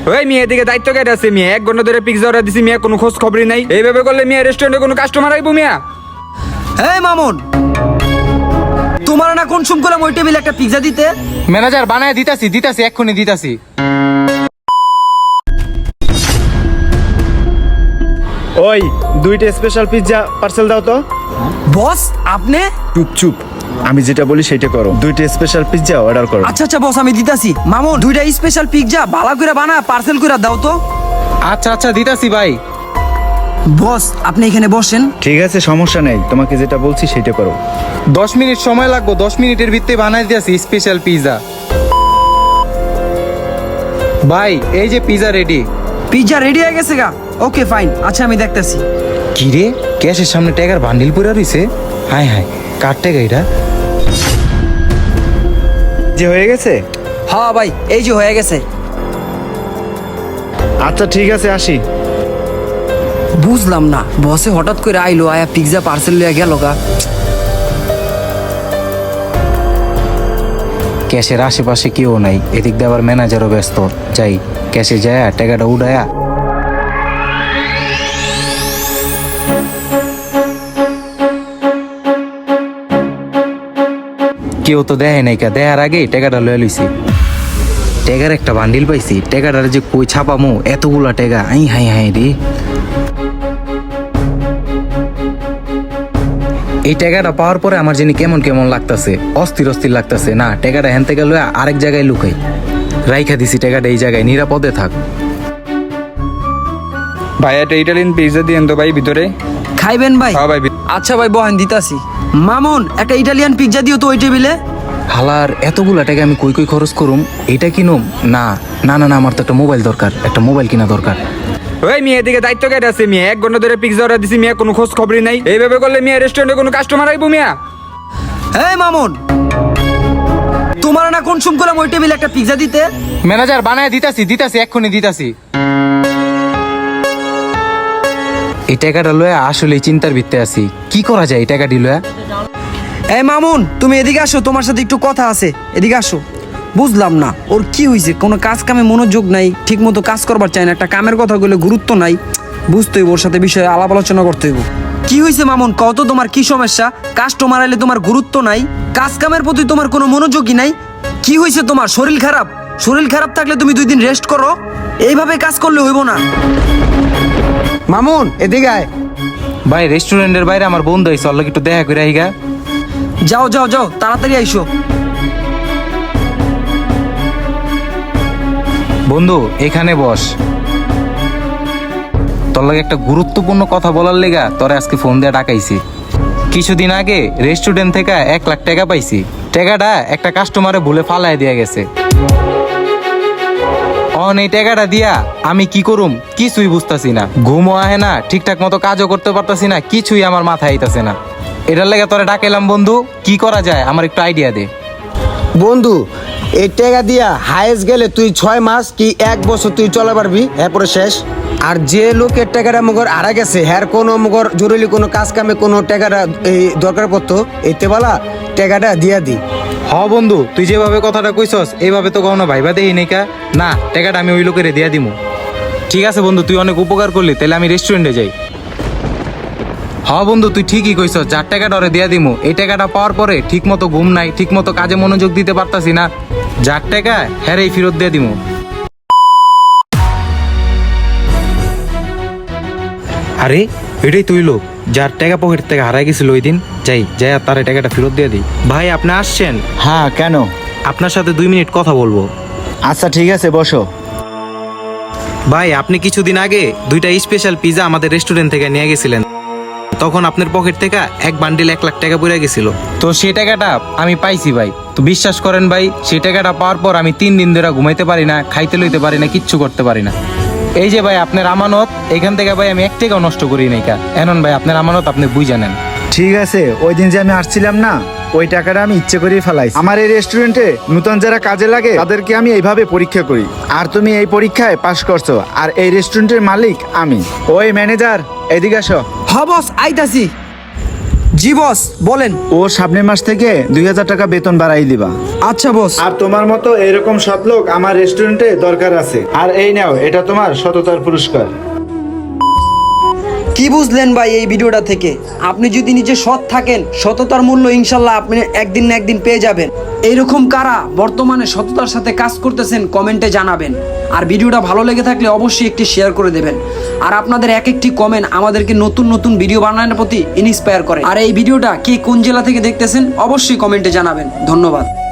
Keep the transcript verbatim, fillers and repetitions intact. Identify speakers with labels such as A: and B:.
A: ওই মিয়া এদিকে দায়িত্ব কেটে আছে মিয়া, এক ঘন্টা ধরে পিৎজা অর্ডার দিছি মিয়া, কোনো খোঁজ খবরই নাই। এইভাবে করলে মিয়া রেস্টুরেন্টে কোনো কাস্টমার আইবো মিয়া?
B: এই মামুন, তোমার না কোন সুম করলাম ওই টেবিলে একটা পিৎজা দিতে?
C: ম্যানেজার বানায় দিতাছি দিতাছি এক্ষুনি দিতাছি।
D: ওই দুইটা স্পেশাল পিৎজা পার্সেল দাও তো।
B: বস আপনি?
D: চুপ চুপ, আমি যেটা বলি সেটা করো। দুইটা স্পেশাল পিৎজা অর্ডার করো।
B: আচ্ছা আচ্ছা বস, আমি দিতাছি। মামুন, দুইটা স্পেশাল পিৎজা ভালো করে বানা পার্সেল করে দাও তো।
C: আচ্ছা আচ্ছা দিতাছি ভাই।
B: বস আপনি এখানে বসেন।
D: ঠিক আছে, সমস্যা নেই, তোমাকে যেটা বলছি সেটা করো।
C: দশ মিনিট সময় লাগবে, দশ মিনিটের ভিতরে বানাই দিতেছি স্পেশাল পিৎজা। ভাই এই যে পিৎজা রেডি।
B: পিৎজা রেডি হয়ে গেছে গা? ওকে ফাইন, আচ্ছা আমি দেখতেছি।
C: কি রে, ক্যাশের সামনে টাকার বান্ডিল পড়ে রইছে। হাই হাই, কার টাকা এটা?
D: যে হয়ে গেছে?
B: হ্যাঁ ভাই, এই যে হয়ে গেছে।
D: আচ্ছা ঠিক আছে, আসি।
B: বুঝলাম না, বসে হঠাৎ করে আইলো, আয়া পিৎজা পার্সেল লিয়ে গেল গা।
C: ক্যাশের আশেপাশে কেউ নাই, এদিক দিয়ে আবার ম্যানেজারও ব্যস্ত। যাই ক্যাশে যায় টাকাটা উড়ায়া। কেউ তো দেয় নাই, কা দেয়ার আগে টাকাটা লয়ে লইছি। টাকার একটা বান্ডিল পাইছি, টাকাটার যে কই ছাপামু, এতগুলা টাকা। আই হাই হাই রে, এই টাকাটা পাওয়ার পরে আমার জানি কেমন কেমন লাগতেছে, অস্থির অস্থির লাগতেছে। না, টাকাটা হেন থেকে লয়ে আরেক জায়গায় লুকাই, রাইখা দিছি টাকাটা এই জায়গায়, নিরাপদে থাক।
A: ভাই একটা ইটালিয়ান পিৎজা দিয়েন তো ভাই ভিতরে।
B: খাইবেন ভাই?
A: হ্যাঁ ভাই।
B: আচ্ছা ভাই বহেন, দিতাছি। মামুন, একটা ইটালিয়ান পিৎজা দিও তো ওই টেবিলে।
C: হালার এতগুলা টাকা আমি কই কই খরচ করুম? এটা কিনুম না? না না না, আমার তো একটা মোবাইল দরকার, একটা মোবাইল কিনা দরকার।
A: ওই মিয়া এদিকে দায়িত্ব কেটে আছে মিয়া, এক ঘন্টা ধরে পিৎজা অর্ডার দিছি মিয়া, কোনো খোঁজ খবরই নাই। এইভাবে করলে মিয়া রেস্টুরেন্টে কোনো কাস্টমার আইবো মিয়া?
B: এই মামুন, তোমার না কোন সুম করলাম ওই টেবিলে একটা পিৎজা দিতে?
C: ম্যানেজার বানায় দিতাছি দিতাছি এক্ষুনি দিতাছি। এই টাকাটা লয়ে আসলে চিন্তার ভিত্তে আছি, কি করা যায় এই টাকাটি লয়ে?
B: এই মামুন, তুমি এদিকে আসো, তোমার সাথে একটু কথা আছে, এদিকে আসো। বুঝলাম না ওর কি হয়েছে, কোনো কাজ কামে মনোযোগ নাই, ঠিক মতো কাজ করবার চায় না, একটা কামের কথা বলে গুরুত্ব নাই। বুঝতে হইব, ওর সাথে বিষয়ে আলাপ আলোচনা করতে হইব। কি হয়েছে মামুন, কত তোমার কি সমস্যা? কাস্টমার আইলে তোমার গুরুত্ব নাই, কাজ কামের প্রতি তোমার কোনো মনোযোগই নাই। কি হয়েছে তোমার? শরীর খারাপ? শরীর খারাপ থাকলে তুমি দুই দিন রেস্ট করো, এইভাবে কাজ করলে হইব না।
E: মামুন এদিকে আয়।
C: ভাই রেস্টুরেন্টের বাইরে আমার বন্ধু আইছে, অল্লাহ একটু দেখা করে আইগা।
B: যাও যাও যাও, তাড়াতাড়ি আইসো।
C: বন্ধু এখানে বস, তোর লাগে একটা গুরুত্বপূর্ণ কথা বলার লেগা তোরে আজকে ফোন দিয়ে ডাকাইছি। কিছুদিন আগে রেস্টুরেন্ট থেকে এক লাখ টাকা পাইছি, টাকাটা একটা কাস্টমারে ভুলে ফালাই দিয়া গেছে। অন এই টাকাটা দিয়া আমি কি করুম কিছুই বুঝতাছি না, ঘুমও আহে না, ঠিকঠাক মতো কাজও করতে পারতাছি না, কিছুই আমার মাথায় আইতাছে না। এটার লেগে তোরে ডাকাইলাম বন্ধু, কি করা যায় আমার একটু আইডিয়া দে।
E: বন্ধু, এই টাকা দিয়া হায়েস্ট গেলে তুই ছয় মাস কি এক বছর তুই চলে পারবি, এরপরে শেষ। আর যে লোকের টাকাটা মগর হারা গেছে, হ্যার কোনো মগর জরুরি কোনো কাজ কামে কোনো টাকাটা এই দরকার পড়তো, এতে বলা টাকাটা দিয়া দি।
C: হ বন্ধু, তুই যেভাবে কথাটা কইছস এইভাবে তো কখনো ভাইবা দেই নাই কা। না, টাকাটা আমি ওই লোকেরে দিয়া দিমু। ঠিক আছে বন্ধু, তুই অনেক উপকার করলি, তাহলে আমি রেস্টুরেন্টে যাই। হ বন্ধু, তুই ঠিকই কইছস, যার টাকাটা ওরে দিয়া দিমু। এই টাকাটা পাওয়ার পরে ঠিক মতো ঘুম নাই, ঠিক মতো কাজে মনোযোগ দিতে পারতাছি না, যার টাকা হ্যারেই ফেরত দিয়ে দিমু। আরে এটাই তুই লোক যার টাকা পকেট থেকে হারাই গেছিল ওই দিন। যাই যাই আর তার টাকাটা ফেরত দিয়ে দিই। ভাই আপনি আসছেন?
D: হ্যাঁ, কেন?
C: আপনার সাথে দুই মিনিট কথা বলবো।
D: আচ্ছা ঠিক আছে, বসো।
C: ভাই আপনি কিছুদিন আগে দুইটা স্পেশাল পিৎজা আমাদের রেস্টুরেন্ট থেকে নিয়ে গেছিলেন, তখন আপনার পকেট থেকে এক বান্ডিল এক লাখ টাকা পড়ে গেছিল। তো সেই টাকাটা আমি পাইছি ভাই। তো বিশ্বাস করেন ভাই, সেই টাকাটা পাওয়ার পর আমি তিন দিন ধরে ঘুমাইতে পারি না, খাইতে লইতে পারি না, কিচ্ছু করতে পারি না। এই যে ভাই আপনার আমানত, এখান থেকে ভাই আমি এক টাকাও নষ্ট করি নাই কা। এখন ভাই আপনার আমানত আপনি বুঝে নেন।
D: ঠিক আছে, ওই দিন যে আমি আসছিলাম না, ওই টাকাটা আমি ইচ্ছে করেই ফেলাইছি। আমার এই রেস্টুরেন্টে নতুন যারা কাজে লাগে তাদেরকে আমি এইভাবে পরীক্ষা করি, আর তুমি এই পরীক্ষায় পাশ করছো, আর এই রেস্টুরেন্টের মালিক আমি। ওই ম্যানেজার, এদিকে আসো।
B: হ বস, আইতাছি। জি বস বলেন।
D: ও সামনের মাস থেকে দুই হাজার টাকা বেতন বাড়াই দিবা।
B: আচ্ছা বস।
D: আর তোমার মতো এরকম সৎ লোক আমার রেস্টুরেন্টে দরকার আছে। আর এই নাও, এটা তোমার সততার পুরস্কার।
B: কি বুঝলেন ভাই এই ভিডিওটা থেকে? আপনি যদি নিজে সৎ থাকেন, সততার মূল্য ইনশাল্লাহ আপনি একদিন না একদিন পেয়ে যাবেন। এইরকম কারা বর্তমানে সততার সাথে কাজ করতেছেন কমেন্টে জানাবেন। আর ভিডিওটা ভালো লেগে থাকলে অবশ্যই একটি শেয়ার করে দেবেন। আর আপনাদের এক একটি কমেন্ট আমাদেরকে নতুন নতুন ভিডিও বানানোর প্রতি ইন্সপায়ার করে। আর এই ভিডিওটা কে কোন জেলা থেকে দেখতেছেন অবশ্যই কমেন্টে জানাবেন। ধন্যবাদ।